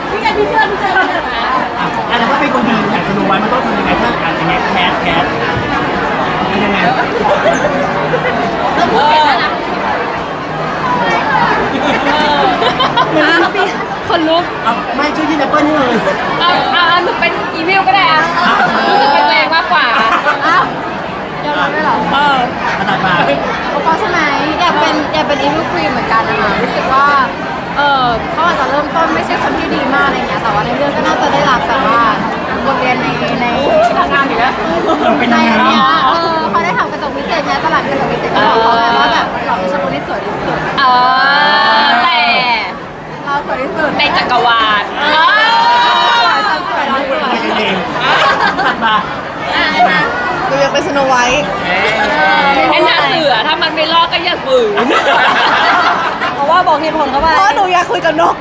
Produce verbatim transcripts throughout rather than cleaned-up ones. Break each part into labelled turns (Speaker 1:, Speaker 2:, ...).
Speaker 1: พี่ไงพี่เชื่อพี่เชื่อพี่เชื่อนะ
Speaker 2: อ่ะแต่ถ้าเป็นคนดีอยากจะรู้ไว้มันต้องทำยังไงถ้าอ่านอย่างเงี้ยแคสแคสยังไง
Speaker 1: เราพูดเสร็จแล้วนะ
Speaker 3: เหมือนพี่คนลุก
Speaker 2: เอาไม่ช่วยที่แอปเปิ้ลนี่เลย
Speaker 3: เอาเอาหนูเป็นอีวิลก็ได้อะรู้สึกเป็นตัวเองมากกว่า
Speaker 1: อ้าวยอมรับได้หรอ
Speaker 3: เออ
Speaker 2: ขนาดมา
Speaker 1: เพราะใช่ไหมอยากเป็นอยากเป็นอีวิลควีนเหมือนกันนะคะรู้สึกว่าเออเขาอาจจะเริ่มต้นไม่ใช่คนที่ดีมากอะไรเงี้ยแต่ว่าในเรื่องก็น่าจะได้รับแบบว่าบทเรียนในในทางงานอยู่แล้ว
Speaker 2: เป็น
Speaker 1: ใน
Speaker 2: ยังไง
Speaker 1: เนี้ยเออเขาได้ทำกระจกพิเศษเนี่ยตลาดกระจกพิเศษก็บอกเขาไงว่าแบบเราเป็นชมพูที่สวยที่สุด
Speaker 3: เออแต่
Speaker 1: เราสวยที่สุด
Speaker 3: ในจักรวาลเออ
Speaker 1: ฉันสวยเราสวย
Speaker 2: เองถัดมา
Speaker 1: หนูอยากเป็นสโนไวท์
Speaker 3: ไอ้หน้าเสือถ้ามันไม่รอดก็อย่าฝืนเพราะว่าบอกเหตุผลเขาไป
Speaker 1: เพราะหนูอยากคุยกับนก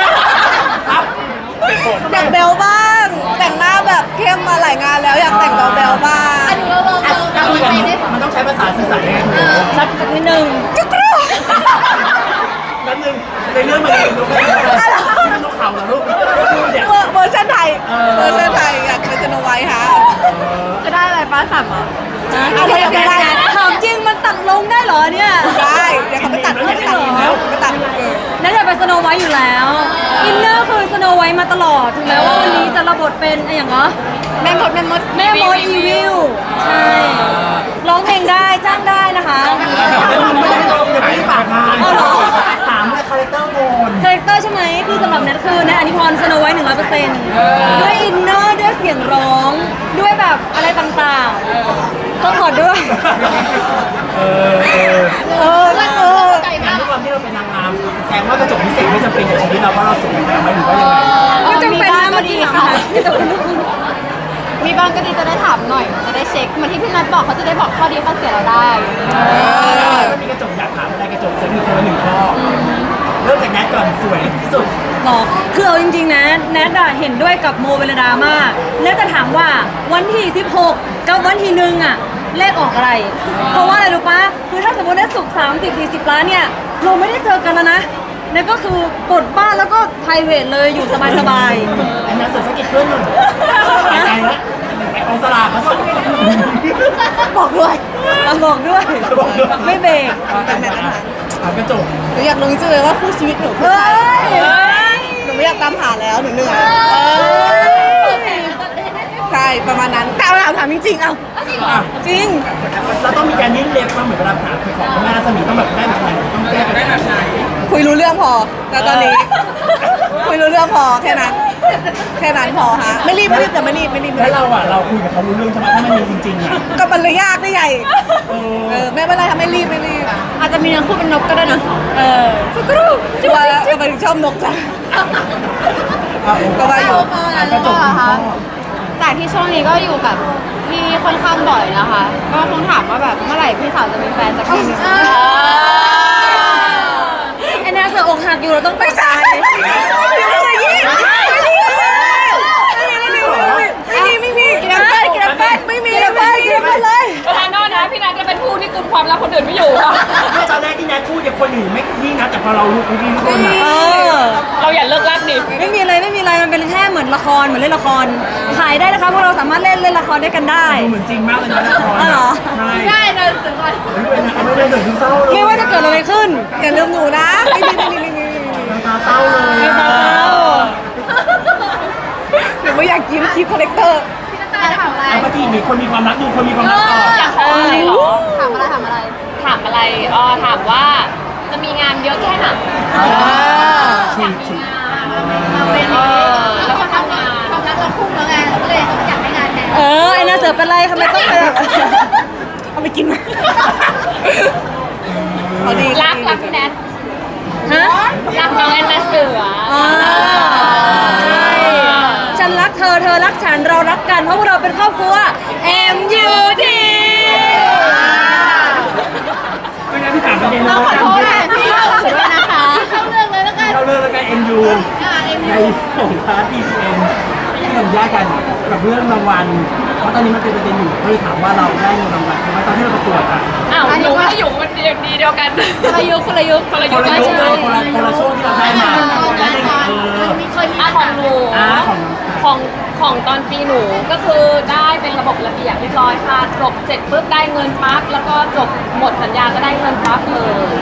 Speaker 1: อยากเบลบ้าง แต่งหน้าแบบเข้มมาหลายงานแล้วอยากแต่งเบลเบลบ้างอันนี้เราเราเรา
Speaker 2: คุยกันมันต้องใช้ภาษาสื่อสารยังไง
Speaker 3: สักนิดนึง
Speaker 1: จุกรู
Speaker 2: แล้วนึงในเรื่องมันเป็นนกเป็นนกเขาเหรอลูกเนี่ย
Speaker 1: เวอร์ชันไทยเวอร์ชันไทยอยากเป็นสโนไวท์ฮะจะได้อะไรป้าสั่งเหรอเอาไปไม่ได้ถามจริงมันตัดลงได้เหรอเนี่ยได้เดี๋ยวเขาไปตัดไม่ตัดแล้วไปตัด
Speaker 3: นั่นจะเป็นสโนไวท์อยู่แล้วอินเนอร์คือสโนไวท์มาตลอดถึงแม้ว่าวันนี้จะระบทเป็นอะไรอย่างเงี้ย
Speaker 1: แม่มดแม่มด
Speaker 3: แม่มดอีวิลใช่ร้องเพลงได้จ้างได้นะคะ
Speaker 2: ไม่ได้ตรงอย่าไปฝากงานถามเลยคาแรคเตอร์โมน
Speaker 3: คาแรคเตอร์ใช่ไหมคือสำหรับแนทคือแนทอนิพรสโนไวท์หนึ่งร้อยเปอร์เซ็นต์ด้วยอินเนอร์ด้วยเสียงร้องด้วยแบบอะไรต่างๆต้องขอด้วย
Speaker 2: เออเออ
Speaker 1: เออเออ
Speaker 2: การด้วยความที่เราเป็นนางงามแสดงว่ากระจกพิเศษไม่จำเป็นกับชีวิตเราเพราะเราสวยแล้วไหมหรือว่ายังไง
Speaker 3: ก็จำเป็นนะเมื่อกี้ค่ะจะเป็นลูกคุณ
Speaker 1: มีบ้างก็ดีจะได้ถามหน่อยจะได้เช็คเหมือนที่พี่นัทบอกเขาจะได้บอกข้อดีข้อเสียเราได้
Speaker 2: ถ้ามีกระจกอยากถามอะไรกระจกจะมีคนละหนึ่งข้อเริ่มจากแนทก่อนสวยที่สุด
Speaker 3: หรอคือเอาจริงๆนะแนทอะเห็นด้วยกับโมเวลดามากแนทจะถามว่าวันที่สิบหกกับวันที่หนึ่งอะเลขออกอะไร เพราะว่าอะไรรู้ปะคือถ้าสมมติได้สุกสามสิบสี่สิบล้านเนี่ยเราไม่ได้เจอกันแล้วนะนั่นก็คือปลดบ้านแล้วก็ไพรเวทเลยอยู่สบายๆ
Speaker 2: อันนั้นเสริมสกิลเพื่อนหนึ่งไปไงวะไอ้กองสลากเขาส่ง
Speaker 1: บอกด้วย
Speaker 3: เอาบอกด้วย
Speaker 2: บอกด้วย
Speaker 3: ไม่เบรก
Speaker 2: ถามกระจก
Speaker 1: หนูอยากรู้จริงๆเลยว่าคู่ชีวิตหนูคือ
Speaker 3: เฮ้
Speaker 1: ใคร
Speaker 3: ย
Speaker 1: หนูไม่อยากตามหาแล้วหนูเหนื่อยใช่ประมาณนั้นแต่เอาถามจริงๆเอาจริง
Speaker 2: เราต้องมีการยื่นเล็บมาเหมือนเวลาถามของแม่รัศมีต้องแบบได้แบบไหนต้องแก้ได้แบบไหน
Speaker 1: คุยรู้เรื่องพอแล้วตอนนี้ คุยรู้เรื่องพอแค่นั้น แค่นั้นพอฮะไม่รีบไม่รีบแต่ไม่รีบไม่รีบ
Speaker 2: แล้วเราอ่ะเราคุยกับเขารู้เรื่องใช่ไหมถ้ามันมีจริงๆอ่ะ
Speaker 1: ก็มันเลยยากได้ไง
Speaker 2: เอ
Speaker 1: เอ
Speaker 2: อ
Speaker 1: อไม่เป็นไรทำไม่รีบไม่รีบอาจจะมีเนื้อคู่เป็นนกก็ได้นะ
Speaker 3: เออ
Speaker 1: สักครู่ว่าทำไมถึงชอบนกจังก็ว่าอยู่
Speaker 2: กระจกคุณพ่อ
Speaker 1: จากที่ช่วงนี้ก็อยู่กับพี่ค่อนข้างบ่อยนะคะ ก็คงถามว่าแบบเมื่อไหร่พี่สาวจะมีแฟนสักทีนึง
Speaker 3: ไอ้นาเสืออกหักอยู่เราต้องไปใจ
Speaker 1: ไม่มีไม่มีกินแอปเปิ้ลกินแอปเปิ้ลไม่มีกินแอปเปิ้ลกินแอปเปิ้ลเลย
Speaker 3: ประธานโทษนะพี่นัทจะเป็นผู้ที่กุมความลับคนอื่นไม่อยู่ค่ะ
Speaker 2: เมื่อตอนแรกที่แนทพูดอย่างคนอื่นไม่นี่นะแต่พอเรารู้พี่ทุกคนอ่ะ
Speaker 3: เออเราอย่าเลิกลักดิไม่มีอะไรไม่มีอะไรมันเป็นแค่เหมือนละครเหมือนเล่นละครขายได้นะคะพวกเราสามารถเล่นเล่นละครด้วยกันได้
Speaker 2: ดูเหมือนจริงมากเลยนะละคร
Speaker 3: อ๋อเหรอ
Speaker 2: ใช่
Speaker 1: ได้นะถึงก่อน
Speaker 2: ไม่ได้เดือดเศร้าเลย
Speaker 3: ไม่ว่าจะเกิดอะไรขึ้น
Speaker 1: อย่าลืมหนูนะไม่มีไม่มีไม่มี
Speaker 2: น้ำตาเศร้าเลย
Speaker 3: ไม่ต้องเศร้า
Speaker 1: หนูไม่อยากยิ้มคลิปคอลเลกเตอร์ถามอะไร
Speaker 2: แล้วเมื่อกี้มีคนมีความรักดูคนมีความรักต่อ
Speaker 3: อยากขออะไรหรอ
Speaker 1: ถามอะไรถามอะไร
Speaker 3: ถามอะไรอ๋อถามว่าจะมีงานเยอะแค่ไหน
Speaker 2: ฉีกฉีก
Speaker 1: เราเป็นอย่างนี้แล้วเขาทำงานความรักเราพุ่งแล้วไงเราก็เลยอยากให้งานแทน
Speaker 3: เออไอ้นาเสือเป็นไรทำไมต้องไปแบบ
Speaker 1: เอาไปกินเขาดี
Speaker 3: รักรักพี่แนทฮะรักน้องแอนนาเสืออ๋อใช่ฉันรักเธอเธอรักฉันเรารักกันเพราะว่าเราเป็นครอบครัว เอ็ม ยู ที
Speaker 2: ไม่งั้นพี่ถามประเด็น
Speaker 1: เรา
Speaker 2: แล้ว
Speaker 1: ขอ
Speaker 2: กัน
Speaker 1: โทษแทนพี่เราด้วยนะคะเข้าเรื่องเลยแล้วกัน
Speaker 2: เราเลิกแล้วกันเอ็มยูในของพาร์ทดีจีเอ็มที่เราแยกกันกับเรื่องรางวัลเพราะตอนนี้มันเป็นประเด็นอยู่ก็เลยถามว่าเราได้เงินรางวัลใช่ไหมตอนที่เราประกวดอ่ะ
Speaker 4: อ้าวหนูก็อยู่มันดีดีเดียวกัน
Speaker 1: คนละยุคคนละยุค
Speaker 4: คนละ
Speaker 2: ค
Speaker 4: ยุคน
Speaker 2: ละ
Speaker 4: ใช่
Speaker 2: ยุค
Speaker 4: ไหม
Speaker 2: เลยคนละคนละช่วงที่เราได้มาได้ได้เออ
Speaker 4: อ่ะของหนู
Speaker 2: อ่าของ
Speaker 4: ของของตอนปีหนูก็คือได้เป็นระบบระเบียบเรียบร้อยค่ะจบเสร็จปุ๊บได้เงินปั๊บแล้วก็จบหมดสัญญาก็ได้เงินปั๊บเลย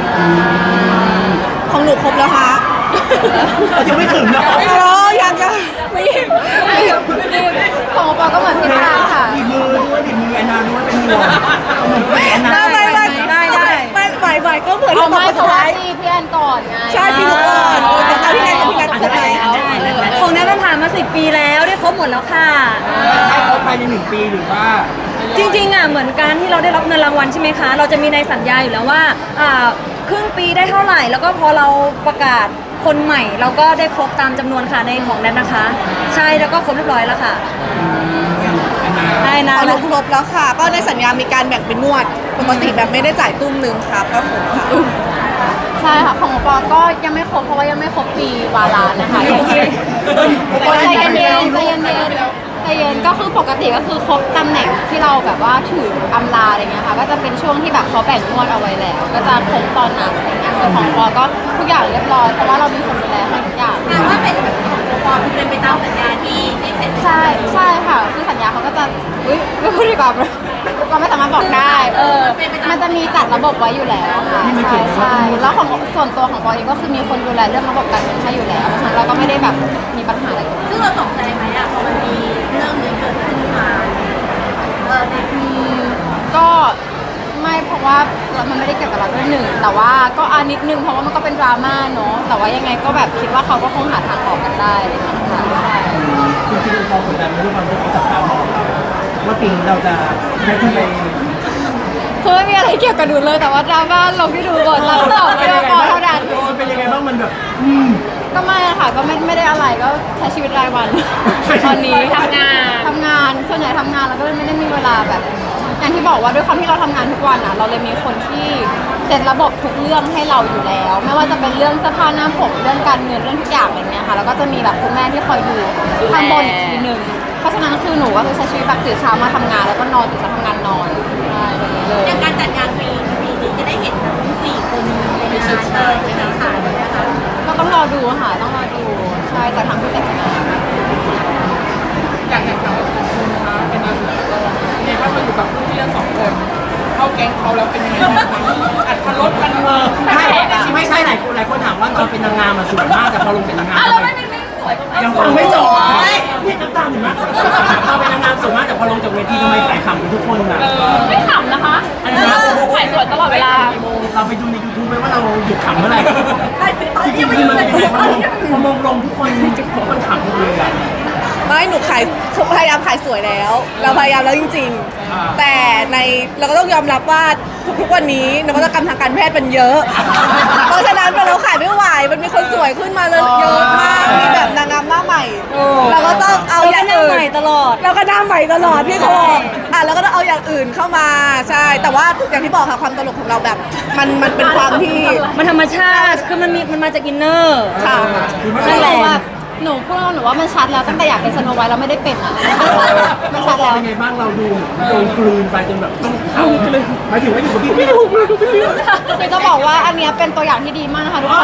Speaker 5: ของหนูครบแล้วฮะ
Speaker 2: ยังไม่ถึงนะ
Speaker 5: รอยังจะไม่
Speaker 1: ของปอก็เหมือนพี่ตาค่ะ
Speaker 2: บีบมือด้วยบีบมือแอนนาด้วยเป็นห่วงเหมือนเป็นแอนนา
Speaker 5: ได้ได้ได้ได้ไม่ไหวไหวก็เหมือน
Speaker 1: เอา
Speaker 5: ตอ
Speaker 1: ไม่
Speaker 5: น
Speaker 1: เพ
Speaker 5: สุด
Speaker 1: ราะว่า
Speaker 5: ท้าย
Speaker 1: ตีพี่แอนก่อนไง
Speaker 5: ใช่พี่หนูก่อนแต่ตอนที่ไหนกับพี่กันครบแล้ว
Speaker 3: ของแนทมันผ่านมาสิบปีแล้วได้ครบหมดแล้วค่ะ
Speaker 2: ได้ครบภายในหนึ่งปีหรือว่า
Speaker 3: จริงๆอ่ะเหมือนการที่เราได้รับเงินรางวัลใช่ไหมคะ เราจะมีในสัญญาอยู่แล้วว่าอ่าครึ่งปีได้เท่าไหร่ แล้วก็พอเราประกาศคนใหม่ เราก็ได้ครบตามจำนวนค่ะในของแนทนะคะ ใช่แล้วก็ครบเรียบร้อยแล้วค่ะได้นะ
Speaker 5: ของหนูครบแล้วค่ะ ก็ในสัญญามีการแบ่งเป็นงวด ปกติแบบไม่ได้จ่ายตุ้มหนึ่งครับก็ครบค่ะ
Speaker 1: ใช่ค่ะของปอก็ยังไม่ครบเพราะว่ายังไม่ครบปีวาระนะคะ
Speaker 2: โอเค
Speaker 1: ใจเย็นๆใจเย็นๆใจเย็นก็คือปกติก็คือครบตำแหน่งที่เราแบบว่าถืออำลาอะไรเงี้ยค่ะก็จะเป็นช่วงที่แบบเขาแบ่งงวดเอาไว้แล้ว ก็จะครบตอนนั้นอะไรเงี้ยส่วนของปอก็ทุกอย่างเรียบร้อยเพราะว่าเรามีคนดูแลให้ทุกอย่าง
Speaker 6: แต่ว่าเป็นปอเป็นไปตามสัญญาที่ได้เซ็น
Speaker 1: ใช่ใช่ค่ะคือสัญญาเขาก็จะอุ้ยไม่พูดดีกว่าเราไม่สามารถบอกได้เออมันจะมีจัดระบบไว้อยู่แล้วค่ะใช่ใช่แล้วของส่วนตัวของปอเองก็คือมีคนดูแลเรื่องระบบการเงินให้อยู่แล้วเพราะฉะนั้นเราก็ไม่ได้แบบมีปัญหาอะไรตรงนี้
Speaker 6: ซึ่งเราตกใจไหมอ่ะพอมันมีเรื่องนี้เกิดขึ้นมาเออใน
Speaker 1: อืมก็ไม่เพราะว่ามันไม่ได้เกี่ยวกับเราด้วยหนึ่งแต่ว่าก็อานิดนึงเพราะว่ามันก็เป็นดราม่าเนาะแต่ว่ายังไงก็แบบคิดว่าเขาก็คงหาทางออกกันได้อะไรอย่างเงี้ยค่ะใช่
Speaker 2: จริงๆพอกดดันด้วยความที่เขาจับตามองเราว่าปีนี้เราจะได้ขึ้นไป
Speaker 1: คือไม่มีอะไรเกี่ยวกับหนูเลยแต่ว่าดราม่าลงที่ดูบทเราสองไม่พอเท่านั้น
Speaker 2: เป็นยังไงบ้างมันแบบอืม
Speaker 1: ก็ไม่อะค่ะก็ไม่ไม่ได้อะไรก็ใช้ชีวิตรายวัน ตอนนี้
Speaker 4: ทำงาน
Speaker 1: ทำงานส่วนใหญ่ทำงานแล้วก็เลยไม่ได้มีเวลาแบบ อย่างที่บอกว่าด้วยความที่เราทำงานทุกวันอ่ะ เราเลยมีคนที่เซ็ตระบบทุกเรื่องให้เราอยู่แล้ว ไม่ว่าจะเป็นเรื่องเสื้อผ้าหน้าผมเรื่องการเงินเรื่องทุกอย่างอะไรเงี้ยค่ะแล้วก็จะมีแบบคุณแม่ที่คอยดูข้างบนอีกทีหนึ่งเพราะฉะนั้นคือหนูก็คือใช้ชีวิตแบบตื่นเช้ามาทำงานแล้วก็นอนตื่นเช้าทำงานนอนใช่แบบนี้เลย
Speaker 6: อย่างการจัดงานปีปีนี้จะได้เห็นทั้งสี่คนในงานเลยในงานขายนะคะ
Speaker 1: ก็ต้องรอดูค่ะต้องรอดูใช่จากทางผู้จัดงาน
Speaker 7: อยากแข่งขันกับคุณนะคะเป็นอาสาก็เนี่ยถ้ามาอยู่กับรุ่นพี่ทั้งสองคนเข้าแก๊งเขาแล้วเป็นยังไงบ้างคะอัดพันลดพันเวอร์
Speaker 2: ไม่ไม่ใช่หลายคนหลายคนถามว่าตอนเป็นนางงามมาสวยมากแต่พอลงเป็นนางงาม
Speaker 4: อ้าวแล้วไม่ไม่ไม่สวย
Speaker 2: ยังฟังไม่จบนี่น้ำตาเห็นไหมตอนเป็นนางงามสวยมากแต่พอลงจากเวทีทำไมสายขำกันทุกคนอ่ะ
Speaker 4: ไม่ขำนะคะ
Speaker 2: อะไรนะ
Speaker 4: ถ่ายสวยตลอดเวลา
Speaker 2: เราไปดูใน ยูทูบ ไหมว่าเราหยุดขำเมื่อไหร่จริงๆคือมันพอมองลงทุกคนทุกคนขำหมดเลยอ่ะ
Speaker 5: ไม่หนูขายพยายามขายสวยแล้ว เราพยายามแล้วจริง ๆ แต่ในเราก็ต้องยอมรับว่าทุกๆวันนี้นวัตกรรมทางการแพทย์มันเยอะ เพราะฉะนั้นพอเราขายไม่ไหวมันมีคนสวยขึ้นมาเลยเยอะมากมีแบบนางงามหน้าใหม่เราก็ต้องเอาอย่าง
Speaker 3: หน้า
Speaker 5: อื่
Speaker 3: ให
Speaker 5: น
Speaker 3: ม่ตลอด
Speaker 5: เราก็หน้าใหม่ตลอดพี่เขาบอกอ่ะเราก็ต้องเอาอย่างอื่นเข้ามาใช่ แต่ว่าอย่างที่บอกค่ะความตลกของเราแบบมันมันเป็นความที่
Speaker 3: มันธรรมชาติ คือมันมีมันมาจากอินเนอร์
Speaker 5: ค่ะ
Speaker 1: นั่นแหละแบบหนูพูดว่าหนูว่ามันชัดแล้วตั้งแต่อยากเป็นสโนไวท์แล้วไม่ได้เป็นอ่ะมันชัดแล้ว
Speaker 2: เป็นไงบ้างเราดูโดนกลืนไปจนแบบต้องขำหมายถึงว่าอยู่กับพี่ไม่ถูกเลยไม่ถูก
Speaker 1: คือจะบอกว่าอันเนี้ยเป็นตัวอย่างที่ดีมากนะคะทุกคน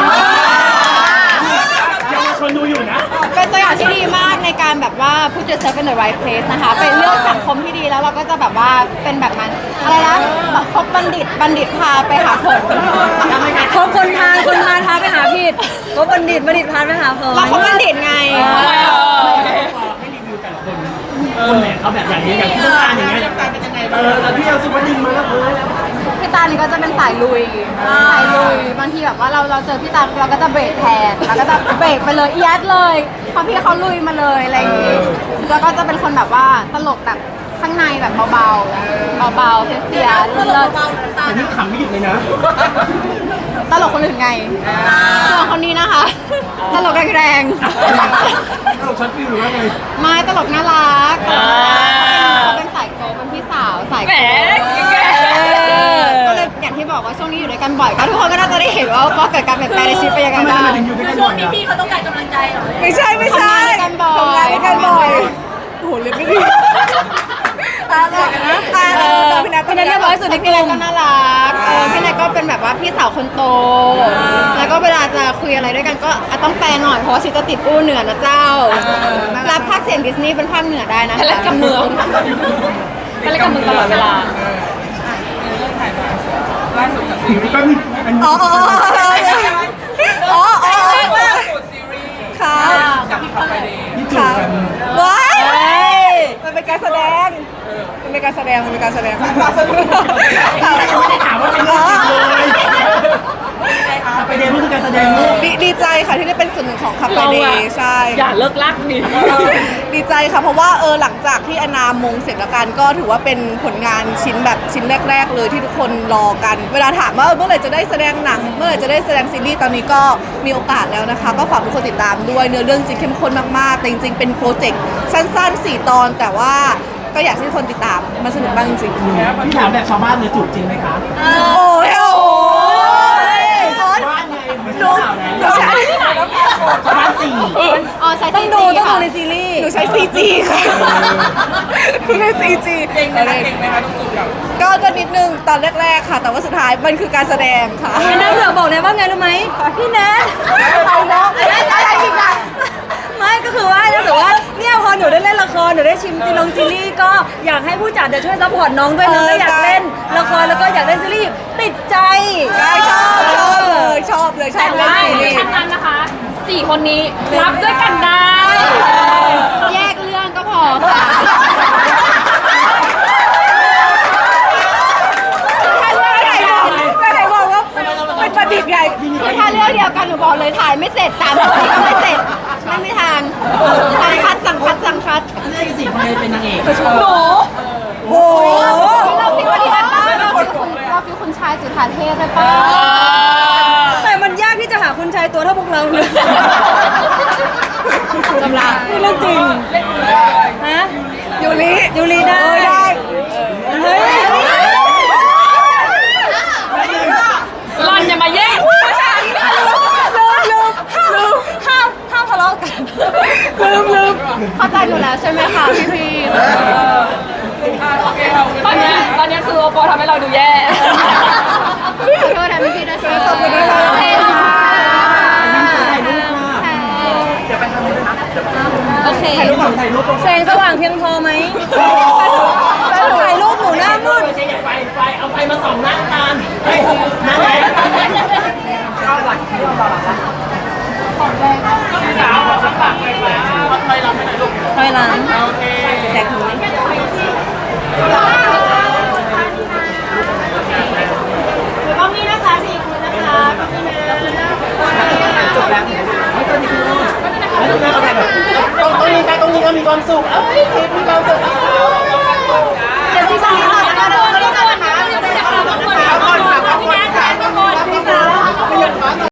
Speaker 2: ยังมีคนดูอยู่นะ
Speaker 1: เป็นตัวอย่างที่ดีมากในการแบบว่า put yourself in the right place นะคะ เป็นเรื่องสังคมที่ดีแล้วเราก็จะแบบว่าเป็นแบบมันอะไรนะคบบัณฑิตบัณฑิตพาไปหาผล
Speaker 3: คบคนพาลคนพาลพาไปหาผิดคบบัณฑิตบัณฑิตพาลไปหาผล
Speaker 1: เราคบบัณฑิตไง
Speaker 2: ให้รีวิวแต่ละคนคนไหนเขาแบบอย่างนี้อย่างที่ต้องการอย่างเงี้ยเออแล้วที่เราสุวรรณดึงมาแล้วเออ
Speaker 1: พี่ตานี่ก็จะเป็นสายลุยสายลุยบางทีแบบว่าเราเราเจอพี่ตาเราก็จะเบรกแทนเราก็จะเบรกไปเลยเอียดเลยเพราะพี่เขาลุยมาเลยอะไรอย่างงี้แล้วก็จะเป็นคนแบบว่าตลกแบบข้างในแบบเบาๆเบาๆเสียๆเลิศ
Speaker 2: แต่นี่ขำไม่หยุดเลยนะ
Speaker 1: ๆตลกคนอื่นไงส่วนคนนี้นะคะ ตลกแรง
Speaker 2: ตลกช็อตฟิลหรือว่าไง
Speaker 1: ๆไม่ตลกน่ารักเขาเป็นสายโกเป็นพี่สาวสาย
Speaker 4: แหม
Speaker 1: โกก็เลยอย่างที่บอกว่าช่วงนี้อยู่ด้วยกันบ่อยก็ทุกคนก็น่าจะได้เห็นว่าว่าเกิดการเปลี่ยนแปลงในชีวิตเป็นยังไง
Speaker 2: ทำไม
Speaker 1: บ้าง
Speaker 2: ทำไมถึงอยู่ด้วยกัน
Speaker 6: ช่
Speaker 2: บ่
Speaker 6: ว
Speaker 2: อง ย
Speaker 6: นี้
Speaker 2: อะ
Speaker 6: พี่เขาต้องการกำลังใจเหรอ
Speaker 5: ไม่ใช่ไม่ใช่
Speaker 1: ทำงานด้วยกันบ่อย
Speaker 5: ทำงานด้วยกันบ่อยโอ้โหเรียนไม่ดีอ่า
Speaker 3: เออ
Speaker 5: น้องพี่นัท
Speaker 3: พี่นัทเรียบร้อยสุดในก
Speaker 1: พี่
Speaker 3: ลุ่
Speaker 1: นาย
Speaker 3: ม
Speaker 1: ก็น่ารักเออพี่นายก็เป็นแบบว่าพี่สาวคนโต แล้วก็เวลาจะคุยอะไรด้วยกันก็อ่ะต้องแปลหน่อยเพราะว่าชีจะติดอู้เหนือนะเจ้ารับภาคเสียงดิสนีย์เป็นภาคเหนือได้นะ
Speaker 4: ทะเลกับเมืองทะเลกับเมืองตลอดเวลา
Speaker 7: เรื่องถ่ายมาล่าสุดกับซีรีส์
Speaker 2: ก็มีอันนี้
Speaker 5: อ๋ออ๋ออ๋ออ๋ออ๋อ
Speaker 7: ล่าสุดซีรีส์
Speaker 5: ค่ะ
Speaker 7: กับขับไปเดย์
Speaker 2: ที่จูบ
Speaker 5: ค่ะ
Speaker 2: กัน
Speaker 5: ว้ายมันเป็นการแสดง มันเป็นการแสดง มันเป็นการแสดงค่ะ
Speaker 2: ไม่ได้ถามว่าเป็นเรื่องจริงเลยไปเดย์มันคือการแสดงลูก
Speaker 5: ดีดีใจค่ะที่ได้เป็นส่วนหนึ่งของคับไป
Speaker 4: เรา
Speaker 5: เด
Speaker 4: อะ
Speaker 5: ย์ใช่
Speaker 4: อย่าเลิกลักดิ
Speaker 5: ดีใจค่ะเพราะว่าเออหลังจากที่อนามงเสร็จแล้วกันก็ถือว่าเป็นผลงานชิ้นแบบชิ้นแรก ๆ เลยที่ทุกคนรอกัน เวลาถามว่าเออเมื่อไหร่จะได้แสดงหนัง เมื่อไหร่จะได้แสดงซีรีส์ตอนนี้ก็มีโอกาสแล้วนะคะ ก็ฝากทุกคนติดตามด้วยเนื้อเรื่องจริงเข้มข้นมากๆแต่จริงๆเป็นโปรเจกต์สั้นๆสี่ตอน แต่ว่าก็อยากให้ทุกคนติดตามมันสนุกมากจริงๆ
Speaker 2: พี่ถามแบบชาวบ้านเลยจูบจริงไหมคะ
Speaker 5: โอ้ยโอ้ย
Speaker 2: บ้านไงไม่
Speaker 5: หนู
Speaker 2: ใช่ข่าว
Speaker 5: หนู
Speaker 2: แล้ว
Speaker 5: ใช้
Speaker 2: ชาวบ้านสี่
Speaker 1: อ๋อใช้
Speaker 3: ต้อง
Speaker 1: ซี
Speaker 3: ดู
Speaker 1: จี
Speaker 3: ต้องดู
Speaker 1: ค่ะ
Speaker 3: ในซีรีส์
Speaker 5: หนูใช้ ซี จี ค่ะหนูใช้ ซี จี
Speaker 7: เก่งไหมคะเก่งไหมคะต้องจูบกับ
Speaker 5: ก็ก็นิดนึงตอนแรกๆค่ะ แต่ว่าสุดท้ายมันคือการแสดงค่ะ
Speaker 3: อันนั้นเสือบอกเลยว่าไงรู้ไหมพี่แนท
Speaker 5: เอาเนาะอะไรอีกอ่ะ
Speaker 3: ไม่ก็คือว่าถ้าเกิดว่าเนี่ยพอหนูได้เล่นละครหนูได้ชิมซีรีส์ซีรีส์ก็อยากให้ผู้จัดเดี๋ยวช่วยซัพพอร์ตน้องด้วยน้องก็อยากเล่นละครแล้วก็อยากเล่นซีรีส์ติดใจ
Speaker 5: ใช่ชอบชอบเลยชอบเลยชอ
Speaker 4: แต่
Speaker 5: บเล
Speaker 4: ว่าย
Speaker 5: ซีรีส์
Speaker 4: ทั้งนั้นนะคะสี่คนนี้รับด้วยกันได้
Speaker 1: แยกเรื่องก็พอค่ะ
Speaker 5: ถ้าเรื่องไหนบอกถ้าไหนบอกว่าเป็นประดิษฐ์ใหญ่
Speaker 1: คือถ้าเรื่องเดียวกันหนูบอกเลยถ่ายไม่เสร็จสามคนก็ไม่เสร็จไม่มีทางสั่งคัดสั่งคัดสั่งคัด
Speaker 2: เรื่องสี่คนเลยเป็นนางเอก
Speaker 4: หนู
Speaker 5: โอ้โห
Speaker 1: เราฟิววันนี้ได้ป้าเราฟิวคุณเราฟิวคุณชายจุฑาเทพได้ป้า
Speaker 3: แต่มันยากที่จะหาคุณชายตัวเท่าพวกเราเลย
Speaker 1: กำลัง
Speaker 3: นี่เรื่องจริงฮะ
Speaker 5: ยูริ
Speaker 3: ยูรีได้
Speaker 5: เออได้
Speaker 3: เฮ้ย
Speaker 4: รอนอย่ามาแย่ง
Speaker 3: ลืมลืมลืมห้ามห้ามทะเลาะกันลืมลืม
Speaker 1: เข้าใจหนูแล้วใช่ไหมคะพี่พี
Speaker 4: ตอนเนี้ยตอนเนี้ยคือโอปอทำให้เราดูแย่
Speaker 1: ขอโทษนะพี่พีด้วยค่ะขอบคุณนะคะโอเคค่ะ
Speaker 3: โอเค
Speaker 2: ถ่ายรูปก่อนถ่ายรูปก่อน
Speaker 3: แสงสว่างเพียงพอไหมถ่ายรูปหนูหน้ามืด
Speaker 2: ใช้ไฟไฟเอาไฟมาส่องหน้าตาลเฮ้ยนั่นไง
Speaker 7: สาวสักปากเลยค่ะวัดไทยเราไม่ไหนลูก
Speaker 3: ถอยหลัง
Speaker 7: โอเค
Speaker 3: แสงถึงไหม
Speaker 1: ก็มีนะคะสี่คนนะคะพี่พีนะ
Speaker 2: จบแล้วไม่ต้องมีคุณแล้วก็แบบตรงตรงนี้ใครตรงนี้ก็มีความสุขเอ้ยมีความสุข
Speaker 1: เดี๋ยวที่สองค่ะ